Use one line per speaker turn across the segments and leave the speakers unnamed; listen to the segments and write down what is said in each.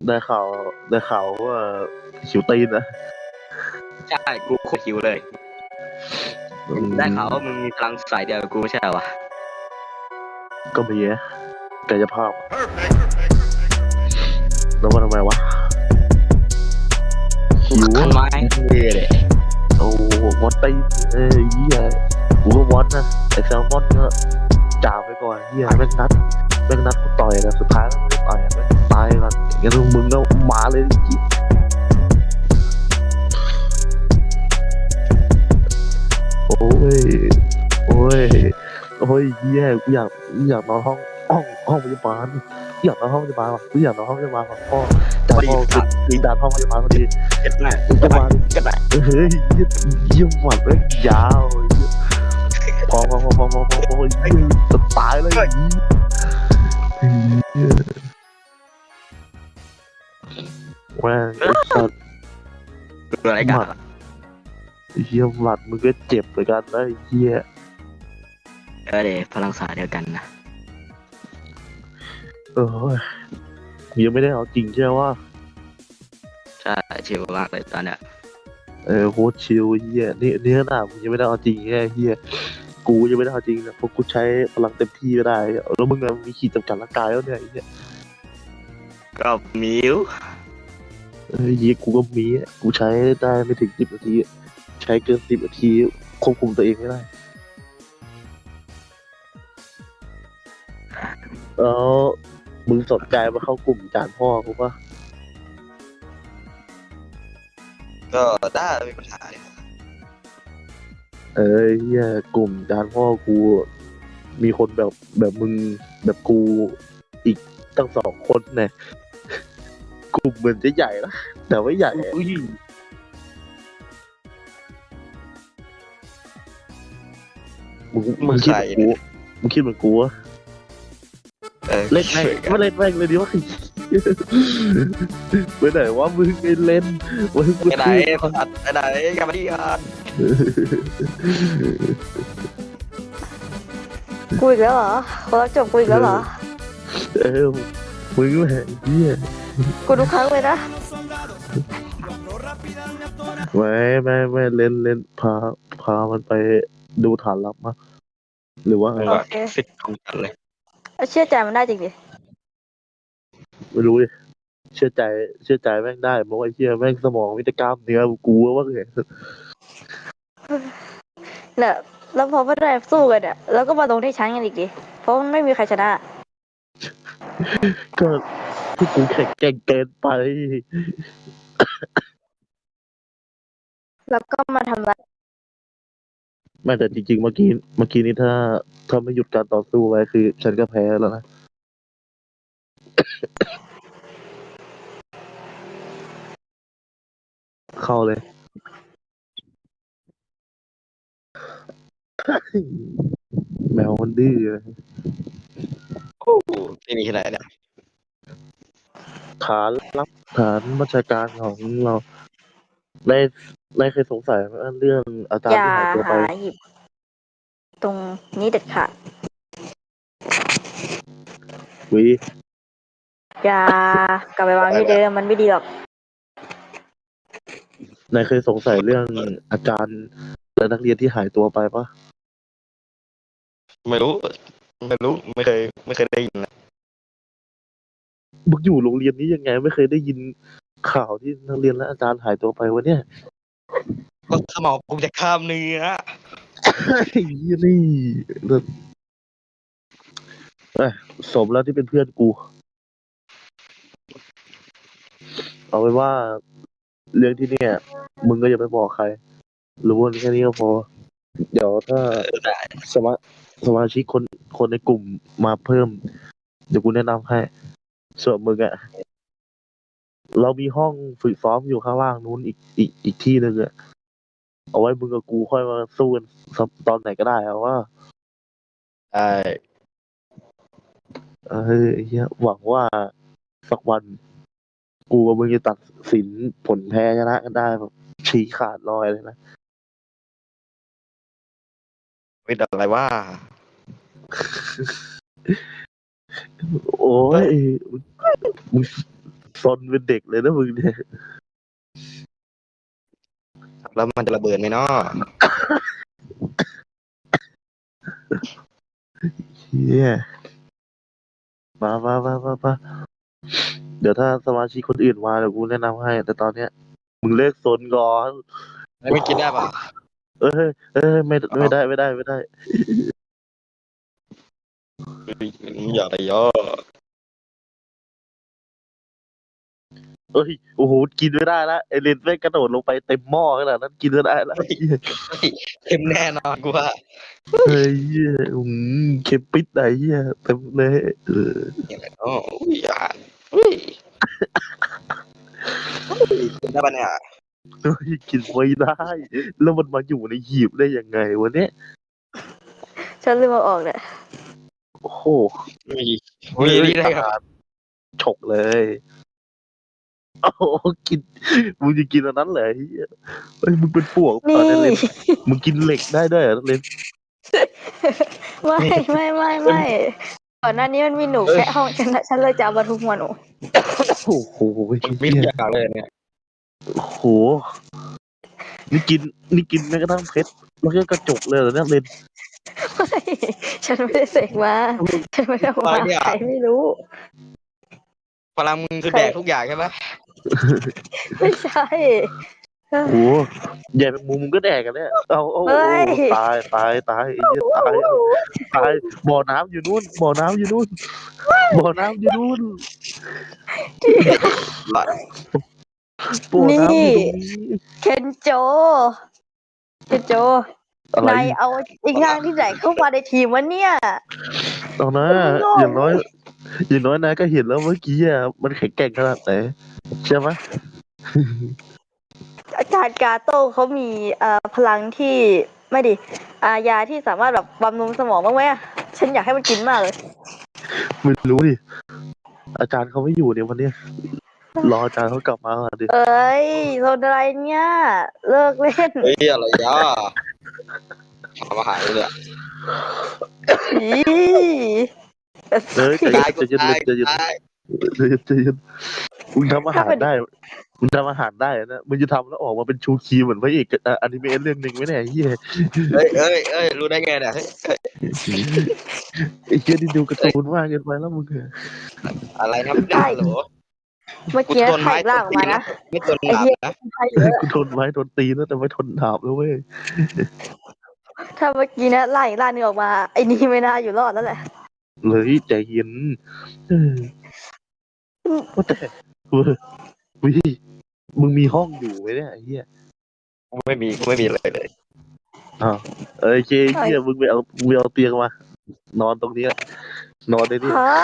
ได้ข่าวได้ข่าวว่าหิวตีนนะ
ใช่กูโคตรหิวเลยได้ข่าวว่ามึงมีพลังสายเดียวกับกูไม่ใช่เหรอวะ
ก็มีนะกายภาพแล้วว่าทำไมวะหิว
คันไม้เลย
โอ้วอตตีนเหี้ยกูก็วอตนะไอแซลมอนก็จ่าไปก่อนเหี้ยแม่งนัดกูต่อยนะสุดท้ายไม่ได้ต่อยแม่งตายก่อนงั้นมึงก็มาเลยจิโอ้ยโอ้ยโอ้ยเหี้ยกูอยากนอนห้องพยาบาลอยากนอนห้องพยาบาลว่ะกูอยากนอนห้องพยาบาลว่ะพ่อจ่าพ่อคือด่านห้องพยาบาลพอดี
เก็บได้
มึงจะมาดิ
ก็ได้
เฮ้ยยิ่งหวัดเลยยาวพอยิ่งจะตายเลยแม่งสัตว์
ดูอะไรกัน
เฮียหวัดมึงก็เจ็บเหมือนกันนะเฮีย
เดี๋ยวพลังสายเดียวกันนะ
ยังไม่ได้เอาจริงใช่ไหมว่า
ใช่ชิวมากเลยตอนเนี้ย
โคตรชิลเฮียนี่ขนาดมึงยังไม่ได้เอาจริงแค่เฮียกูยังไม่ได้เอาจริงนะเพราะกูใช้พลังเต็มที่ไม่ได้แล้วมึงมีขีดจำกัดร่างกายแล้วเนี่ยเฮีย
ก็มิว
กูก็มีกูใช้ได้ไม่ถึง10 นาทีใช้เกิน10 นาทีควบคุมตัวเองไม่ได้แล้วมึงสนใจมาเข้ากลุ่มจานพ่อกูปะ
ก็ได้ไม่มีปัญหาเลย
เฮียกลุ่มจานพ่อกูมีคนแบบมึงแบบกูอีกตั้ง2 คนเนี่ยกลุ่มเหมือนจะใหญ่นะแต่ไม่ใหญ่มึงคิดเหมือนกูมึงคิดเหมือนกูวะเล่นแม่งไม่เล่นแม่งเลยดิวะไปไหนวะมึงไปเล่นมึง
ไปไหนไปไหนกลับมาที่กัน
กูอีกแล้วเหรอคนรักจบกูอีกแล้วเหรอ
มึงแหละเฮีย
กูทุกครั้งเลยนะ
ไม่เล่นพามันไปดูฐานลับมาหรือว่าไง
โอเค
สิทธิ์ของกันเลย
เชื่อใจมันได้จริงดิ
ไม่รู้ดิเชื่อใจแม่งได้เพราะว่าไอ้เหี้ยแม่งสมองมิตรกล้ามเนื้อกูว่าไง
เนี่ยแล้วพอไม่ได้สู้กันเนี่ยแล้วก็มาลงที่ชั้นกันอีกดิเพราะมันไม่มีใครชนะ
ก็พวกกูแข็งแกร่งเกินไป
แล้วก็มาทำร้าย
ไม่แต่จริงๆเมื่อกี้นี้ถ้าไม่หยุดการต่อสู้ไว้คือฉันก็แพ้แล้วนะ เข้าเลย แมวมันดื้อเลย
โอ้ไม่มีที่ไหนเนี่ย
ฐานรับฐานบัญชาการของเราได้เคยสงสัยไหมเรื่องอาจาร
อ
ย์
ย่า
ที่หายตัวไป
หาหยิบตรงนี้เด็ดขาด
วิ
อย่ากลับไปวางที่เดิมมันไม่ดีหรอก
นายเคยสงสัยเรื่องอาจารย์และนักเรียนที่หายตัวไปปะ
ไม่รู้ไม่เคยได้ยินนะ
มึงอยู่โรงเรียนนี้ยังไงไม่เคยได้ยินข่าวที่นักเรียนและอาจารย์หายตัวไปวะเนี่ย
ก็สมองผมจะข้ามเนื้อ
ไอ้นี่สมแล้วที่เป็นเพื่อนกู เอาไว้ว่าเรื่องที่เนี่ย มึงก็อย่าไปบอกใครรู้ว่าแค่นี้ก็พอ เดี๋ยวถ้าสมาชิกคนในกลุ่มมาเพิ่ม เดี๋ยวกูแนะนำให้ ส่วนมึงอะเรามีห้องฝึกซ้อมอยู่ข้างล่างนู้นอีกที่หนึ่งอะเอาไว้มึงกับกูค่อยมาสู้กันตอนไหนก็ได้เอาว่า
ใช่
เฮียหวังว่าสักวัน กูกับมึงจะตัดสินผลแพ้ชนะกันได้แบบชี้ขาดลอยเลยนะ
ไม่ได้อะไรว่า
โอ้ยมึงซนเป็นเด็กเลยนะมึงเนี่ย
แล้วมันจะระเบิดไหมเนาะ
เฮียมาเดี๋ยวถ้าสมาชิกคนอื่นมาเดี๋ยวกูแนะนำให้ แต่ตอนเนี้ยมึงเลิกซนก่อน
แล้วไม่กินได้ป่ะ
ไม่ได้
อย่าไปย่อ
เอ้ยโอ้โหกินไม่ได้ละไอเลนแม่งกระโดดลงไปเต็มหม้อขนาดนั้นกินไม่ได้ละ
เค็มแน่นอนกูว่า
เฮ้ยเหี้ยเค็มปิดไหนเฮียเต็มเลย
อย่างไรเนาะอุ้ยอ่ะอุ้ยกินได้ป่ะเนี่ย
เฮ้ยกินไม่ได้ แล้วมันมาอยู่ในหีบได้ยังไงวะเนี่ย
ฉันลืมเอาออกเนี่ย
โอ้โห
มีนี่ได้ครับ
ฉกเลยโอ้โหกินมึงจะกินอันนั้นเหรอเฮียเฮ้ยมึงเป็นปวกเป
นี่
ล่าเนี่ยเลนมึงกินเหล็กได้ด้วยเหรอเลน
ไม่ก่อนหน้านี้มันมีหนูแค่ห้องฉันเลยจะเอามาทุบหัวหนู
โอ้โห
มีทุกอย่างเลยเนี่ย
โอ้โหนี่กินแม้กระทั่งเพชรแล้วก็กระจกเลยเหรอเนี่ยเลน
ไม่ฉันไม่ได้เสกมาฉันไม่ได้เอามาใครไม่รู้
พลังมึงคือแดกทุกอย่างใช่ไหม
ไม่ใช่
โอ้โหใหญ่เป็นมุมมึงก็แดกกันเนี่ยเอาตายไอ้เหี้ยตายบ่อน้ำอยู่นู่นบ่อน้ำอยู่นู่น
หลัด
บ่อน้ำอยู่ตรงนี้
เคนโจ
อะไร
นายเอาอีกอย่างที่ไหนเข้ามาในทีมวะเนี่ย
เอานะอย่างน้อยนายก็เห็นแล้วเมื่อกี้อ่ะมันแข็งแกร่งขนาดไหนใช่ไหม
อาจารย์กาโต้เขามีพลังที่ไม่ดิยาที่สามารถแบบบำรุงสมองบ้างไหมอะฉันอยากให้มันกินมากเลย
ไม่รู้ดิอาจารย์เขาไม่อยู่เนี่ยวันเนี้ยรออาจารย์เขากลับมาก่อนดิ
เอ้ยโซนอะไรเนี่ยเลิกเล่น
เฮ้ยอะไรย่าทำอาหารเลย
อี
ใจ
ตายกู
เย็น
ตาย
ใจเย็น
ตาย
มึงทำอาหารได้นะมึงจะทำแล้วออกมาเป็นชูคีเหมือนพระเอกอนิเมะเรื่องหนึ่งไหมเนี่ยไอ้เหี้ย
เอ้ยรู้ได้ไงเนี่ย
ไอ้เหี้ยนี่ดูการ์ตูนมากเกินไปแล้วมึง
อะไรนะได้เหรอ
เมื่อกี้ไข่ล่างออกมานะ
ไม่ตัวห
ไอ้
นา
เหี้ย
นะ
ไข่เยอะ
กูทนไว้โดนตีนะแต่ไม่ทนดาบแล้วเว้ย
ถ้าเมื่อกี้นะไล่ล่างนึงออกมาไอ้นี่ไม่น่าอยู่รอดแล้วแหละ
เลยใจเย็นว่าแต่วิมึงมีห้องอยู่ไหมเนี่ยไอ้เหี้ย
ไม่มีเลย
อ้าวเหี้ยมึงไปเอาเตียงมานอนตรงนี้นอนได้ดิ
ฮะ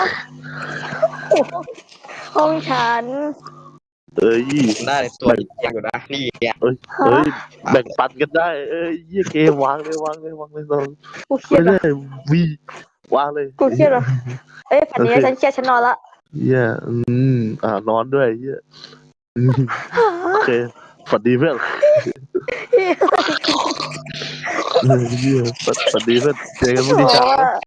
ห้องฉัน
ได้ตัวยังอยู่นะนี่เนี่ย
แบ่งปันกันได้เหี้ยเกมวางเลยวางนอน
กูเครีย
ไม่
ด
ได้
เหรอ
วีวางเลย
กูเครียดเหรอเอ้ยฝันนี้ฉันเครียดฉันนอนละ
เหี้ยนอนด้วยเหี้ยโอเคฝันดีเพื่อนเหี้ยฝันดีเพื่อนเจอกันพรุ่งนี้เช้า
โอ้